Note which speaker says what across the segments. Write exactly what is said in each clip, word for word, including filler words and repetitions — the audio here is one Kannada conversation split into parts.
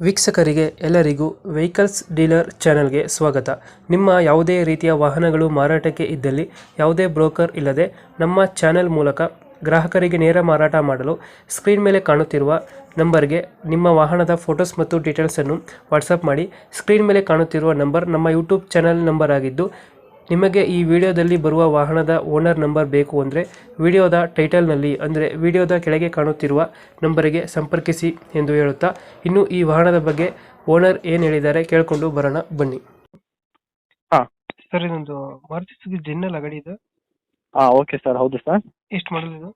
Speaker 1: ವೀಕ್ಷಕರಿಗೆ ಎಲ್ಲರಿಗೂ ವೆಹಿಕಲ್ಸ್ ಡೀಲರ್ ಚಾನೆಲ್ಗೆ ಸ್ವಾಗತ. ನಿಮ್ಮ ಯಾವುದೇ ರೀತಿಯ ವಾಹನಗಳು ಮಾರಾಟಕ್ಕೆ ಇದ್ದಲ್ಲಿ ಯಾವುದೇ ಬ್ರೋಕರ್ ಇಲ್ಲದೆ ನಮ್ಮ ಚಾನೆಲ್ ಮೂಲಕ ಗ್ರಾಹಕರಿಗೆ ನೇರ ಮಾರಾಟ ಮಾಡಲು ಸ್ಕ್ರೀನ್ ಮೇಲೆ ಕಾಣುತ್ತಿರುವ ನಂಬರ್ಗೆ ನಿಮ್ಮ ವಾಹನದ ಫೋಟೋಸ್ ಮತ್ತು ಡೀಟೇಲ್ಸನ್ನು ವಾಟ್ಸಪ್ ಮಾಡಿ. ಸ್ಕ್ರೀನ್ ಮೇಲೆ ಕಾಣುತ್ತಿರುವ ನಂಬರ್ ನಮ್ಮ ಯೂಟ್ಯೂಬ್ ಚಾನೆಲ್ ನಂಬರ್ ಆಗಿದ್ದು, ನಿಮಗೆ ಈ ವಿಡಿಯೋದಲ್ಲಿ ಬರುವ ವಾಹನದ ಓನರ್ ನಂಬರ್ ಬೇಕು ಅಂದರೆ ವಿಡಿಯೋದ ಟೈಟಲ್ನಲ್ಲಿ ಅಂದರೆ ವಿಡಿಯೋದ ಕೆಳಗೆ ಕಾಣುತ್ತಿರುವ ನಂಬರಿಗೆ ಸಂಪರ್ಕಿಸಿ ಎಂದು ಹೇಳುತ್ತಾ, ಇನ್ನು ಈ ವಾಹನದ ಬಗ್ಗೆ ಓನರ್ ಏನು ಹೇಳಿದ್ದಾರೆ ಕೇಳಿಕೊಂಡು ಬರೋಣ ಬನ್ನಿ.
Speaker 2: ಹಾಂ
Speaker 1: ಸರ್, ಇದೊಂದು ಮಾರುತಿ ಸುಜುಕಿ ಜೆನ್ ಅಲ್ಲ ಗಾಡಿ ಇದು?
Speaker 2: ಹಾಂ ಓಕೆ ಸರ್, ಹೌದು ಸರ್.
Speaker 1: ಎಷ್ಟು ಮಾಡಲ್ ಇದು?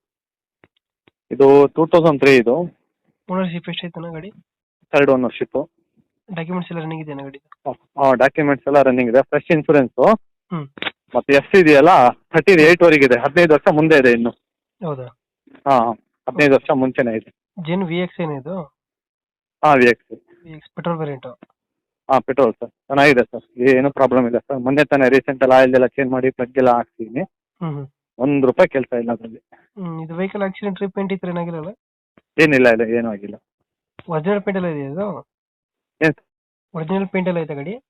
Speaker 2: ಇದು ಟೂ ತೌಸಂಡ್ ತ್ರೀ ಇದು.
Speaker 1: ಓನರ್ಶಿಪ್ ಎಷ್ಟೈತನ ಗಾಡಿ?
Speaker 2: Third ownership.
Speaker 1: ಡಾಕ್ಯುಮೆಂಟ್ಸ್ ಎಲ್ಲ ರನ್ನಿಂಗ್ ಇದೆಯಾ ಗಾಡಿ?
Speaker 2: ಹಾಂ, ಡಾಕ್ಯುಮೆಂಟ್ಸ್ ಎಲ್ಲ ರನ್ನಿಂಗ್ ಇದೆ, ಫ್ರೆಶ್ ಇನ್ಸೂರೆನ್ಸು.
Speaker 1: ಹ್ಞೂ.
Speaker 2: ಮತ್ತು ಎಫ್ ಇದೆಯಲ್ಲ ಥರ್ಟಿ ಏಯ್ಟ್ ವರೆಗೆ ಇದೆ, ಹದಿನೈದು ವರ್ಷ ಮುಂದೆ ಇದೆ ಇನ್ನು.
Speaker 1: ಹೌದಾ?
Speaker 2: ಹಾಂ, ಹದಿನೈದು ವರ್ಷ ಮುಂಚೆನೇ ಇದೆ.
Speaker 1: ಜೆನ್ ವಿ ಎಕ್ಸ್ ಏನಿದು?
Speaker 2: ಹಾಂ, V X
Speaker 1: V X petrol variant?
Speaker 2: ಹಾಂ, ಪೆಟ್ರೋಲ್ ಸರ್, ಚೆನ್ನಾಗಿದೆ ಸರ್, ಏನೂ ಪ್ರಾಬ್ಲಮ್ ಇಲ್ಲ ಸರ್. ಮೊನ್ನೆ ತಾನೇ ರೀಸೆಂಟಲ್ಲಿ ಆಯಿಲ್ ಎಲ್ಲ ಚೇಂಜ್ ಮಾಡಿ ಪ್ಲಗ್ ಎಲ್ಲ ಹಾಕ್ತೀನಿ.
Speaker 1: ಹ್ಞೂ ಹ್ಞೂ.
Speaker 2: ಒಂದು ರೂಪಾಯಿ ಕೆಲಸ ಇಲ್ಲ ಅದರಲ್ಲಿ.
Speaker 1: ಹ್ಞೂ. ಇದು ವೆಹಿಕಲ್ ಆಕ್ಸಿಡೆಂಟ್ ಟ್ರೀಟ್ಮೆಂಟ್ ಇತ್ತು ಏನಾಗಿರಲ್ಲ?
Speaker 2: ಏನಿಲ್ಲ, ಇಲ್ಲ ಏನೂ ಆಗಿಲ್ಲ.
Speaker 1: ಒರಿಜಿನಲ್ ಪೇಂಟ್ ಎಲ್ಲ ಇದೆಯಾ ಇದು?
Speaker 2: ಏನು
Speaker 1: ಒರಿಜಿನಲ್ ಪೇಂಟ್ ಎಲ್ಲ ಐತೆ ಗಾಡಿ?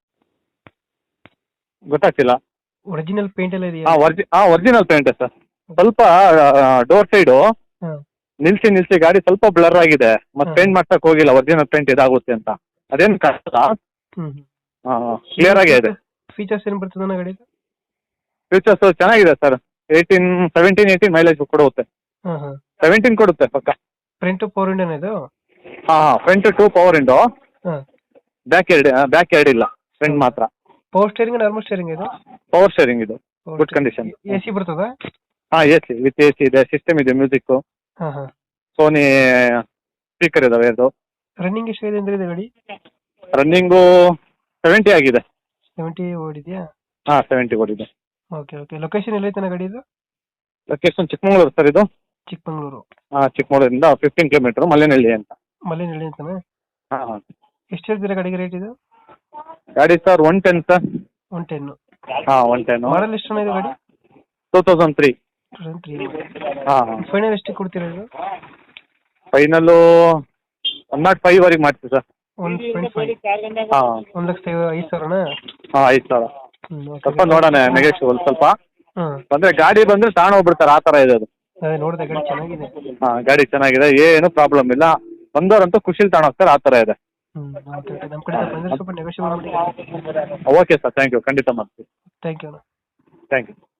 Speaker 2: ಗೊತ್ತಾಗ್ತಿಲ್ಲ.
Speaker 1: ಒರಿಜಿನಲ್ ಪೇಂಟ್ ಎಲ್ಲ ಇದೆಯಾ?
Speaker 2: ಹಾಂ ಒರ್ಜಿ ಹಾಂ ಒರಿಜಿನಲ್ ಪೇಂಟೇ ಸರ್. ಸ್ವಲ್ಪ ಡೋರ್ ಸೈಡು
Speaker 1: ಹಾಂ.
Speaker 2: ನಿಲ್ಸಿ ನಿಲ್ಸಿ ಗಾಡಿ ಸ್ವಲ್ಪ ಬ್ಲರ್ ಆಗಿದೆ, ಮತ್ತೆ
Speaker 1: ಹ್ಮ್.
Speaker 2: ಪೇಂಟ್ ಮಾಡ್ಸಕ್ ಹೋಗಿಲ್ಲ, ಒರಿಜಿನಲ್ ಪೇಂಟ್ ಇದಾಗುತ್ತೆ ಅಂತ. ಅದೇನು ಕಷ್ಟ.
Speaker 1: ಹ್ಞೂ.
Speaker 2: ಕ್ಲಿಯರ್ ಆಗೇ ಇದೆ.
Speaker 1: ಫೀಚರ್ಸ್ ಏನು ಬರ್ತದೆ ಗಾಡಿ?
Speaker 2: ಫ್ಯೂಚರ್ಸ್ ಚೆನ್ನಾಗಿದೆ sir. Eighteen seventeen eighteen mileage ಕೊಡುತ್ತೆ.
Speaker 1: ಹಾಂ ಹಾಂ.
Speaker 2: ಸೆವೆಂಟೀನ್ ಕೊಡುತ್ತೆ ಪಕ್ಕ.
Speaker 1: ಫ್ರಂಟ್ ಪವರ್ ವಿಂಡೋನ ಇದು?
Speaker 2: ಹಾಂ ಹಾಂ, ಫ್ರಂಟ್ ಟೂ ಪವರ್ ವಿಂಡೋ,
Speaker 1: ಹಾಂ.
Speaker 2: ಬ್ಯಾಕ್ ಎರಡು ಬ್ಯಾಕ್ ಎರಡು ಇಲ್ಲ, ಫ್ರಂಟ್ ಮಾತ್ರ.
Speaker 1: ಪವರ್ ಸ್ಟೇರಿಂಗ್ ನಾರ್ಮಲ್ ಸ್ಟೇರಿಂಗ್ ಇದು?
Speaker 2: ಪವರ್ ಸ್ಟೇರಿಂಗ್ ಇದು, ಗುಡ್ ಕಂಡೀಷನ್.
Speaker 1: ಎ ಸಿ ಬರ್ತದಾ?
Speaker 2: ಹಾಂ, A C with A C ಇದೆ, ಸಿಸ್ಟಮ್ ಇದೆ, ಮ್ಯೂಸಿಕ್ಕು,
Speaker 1: ಹಾಂ ಹಾಂ.
Speaker 2: ಸೋನಿ ಸ್ಪೀಕರ್ ಇದಾವೆ. ಅದು
Speaker 1: ರನ್ನಿಂಗ್ ಎಷ್ಟಾಗಿದೆ ಅಂದರೆ ಇದು ಗಾಡಿ?
Speaker 2: ರನ್ನಿಂಗು ಸೆವೆಂಟಿ ಆಗಿದೆ.
Speaker 1: ಸೆವೆಂಟಿ ಓಡಿದೆಯಾ?
Speaker 2: ಹಾಂ, ಸೆವೆಂಟಿ ಓಡಿದೆ.
Speaker 1: Okay okay. ಲೊಕೇಶನ್ ಎಲ್ಲೈತನ ಗಾಡಿ ಇದು?
Speaker 2: ಲೊಕೇಶನ್ ಚಿಕ್ಕಮಗಳೂರು ಸರ್ ಇದು.
Speaker 1: ಚಿಕ್ಕಮಗಳೂರು?
Speaker 2: ಹಾಂ, ಚಿಕ್ಕಮಗಳೂರಿಂದ ಫಿಫ್ಟೀನ್ ಕಿಲೋಮೀಟ್ರ್, ಮಲ್ಲೇನಹಳ್ಳಿ ಅಂತ.
Speaker 1: ಮಲ್ಲೇನಹಳ್ಳಿ ಅಂತಾನೆ?
Speaker 2: ಹಾಂ ಹಾಂ.
Speaker 1: ಎಷ್ಟು ಹೇಳ್ತೀರಾ ಗಾಡಿಗೆ ರೇಟ್ ಇದು?
Speaker 2: ಗಾಡಿ sir one ten sir.
Speaker 1: One ten?
Speaker 2: ಹಾಂ, ಒನ್ ಟೆನ್ನು.
Speaker 1: ಮಾಡಲ್ ಎಷ್ಟು ಚೆನ್ನಾಗಿದೆ ಗಾಡಿ?
Speaker 2: Two thousand three.
Speaker 1: ತ್ರೀ.
Speaker 2: ಹಾಂ ಹಾಂ.
Speaker 1: ಫೈನಲ್ ಎಷ್ಟು ಕೊಡ್ತೀರಾ ಇದು?
Speaker 2: ಫೈನಲ್ಲು ಒನ್ ನಾಟ್ ಫೈವ್ ವರೆಗೆ ಮಾಡ್ತೀವಿ ಸರ್.
Speaker 1: One point five?
Speaker 2: ಹಾಂ.
Speaker 1: ಒಂದು ಲಕ್ಷ ಐದು ಸಾವಿರನಾ?
Speaker 2: ಹಾಂ, ಐದು ಸಾವಿರ.
Speaker 1: ಹ್ಞೂ.
Speaker 2: ಸ್ವಲ್ಪ ನೋಡೋಣ, ನೆಗೆಟಿವ್ ಸ್ವಲ್ಪ
Speaker 1: ಹಾಂ.
Speaker 2: ಬಂದರೆ ಗಾಡಿ ಬಂದರೆ ತಗೊಂಡು ಹೋಗ್ಬಿಡ್ತಾರೆ, ಆ ಥರ ಇದೆ ಅದು.
Speaker 1: ಅದೇ ನೋಡಿದೆ, ಗಾಡಿ ಚೆನ್ನಾಗಿದೆ.
Speaker 2: ಹಾಂ, ಗಾಡಿ ಚೆನ್ನಾಗಿದೆ, ಏನು ಪ್ರಾಬ್ಲಮ್ ಇಲ್ಲ. ಬಂದವರಂತೂ ಖುಷಿಲಿ ತಗೊಂಡು ಹೋಗ್ತಾರೆ, ಆ ಥರ ಇದೆ.
Speaker 1: ಹ್ಞೂ. Okay okay. ನಮ್ಮ ಕಡೆ ಬಂದರೆ ಸ್ವಲ್ಪ ನೆಗೋಷಿಯೇಟ್ ಮಾಡಿ.
Speaker 2: ಓಕೆ ಸರ್, ಥ್ಯಾಂಕ್ ಯು, ಖಂಡಿತ ಮಾಡ್ತೀವಿ.
Speaker 1: Thank you.
Speaker 2: Thank you.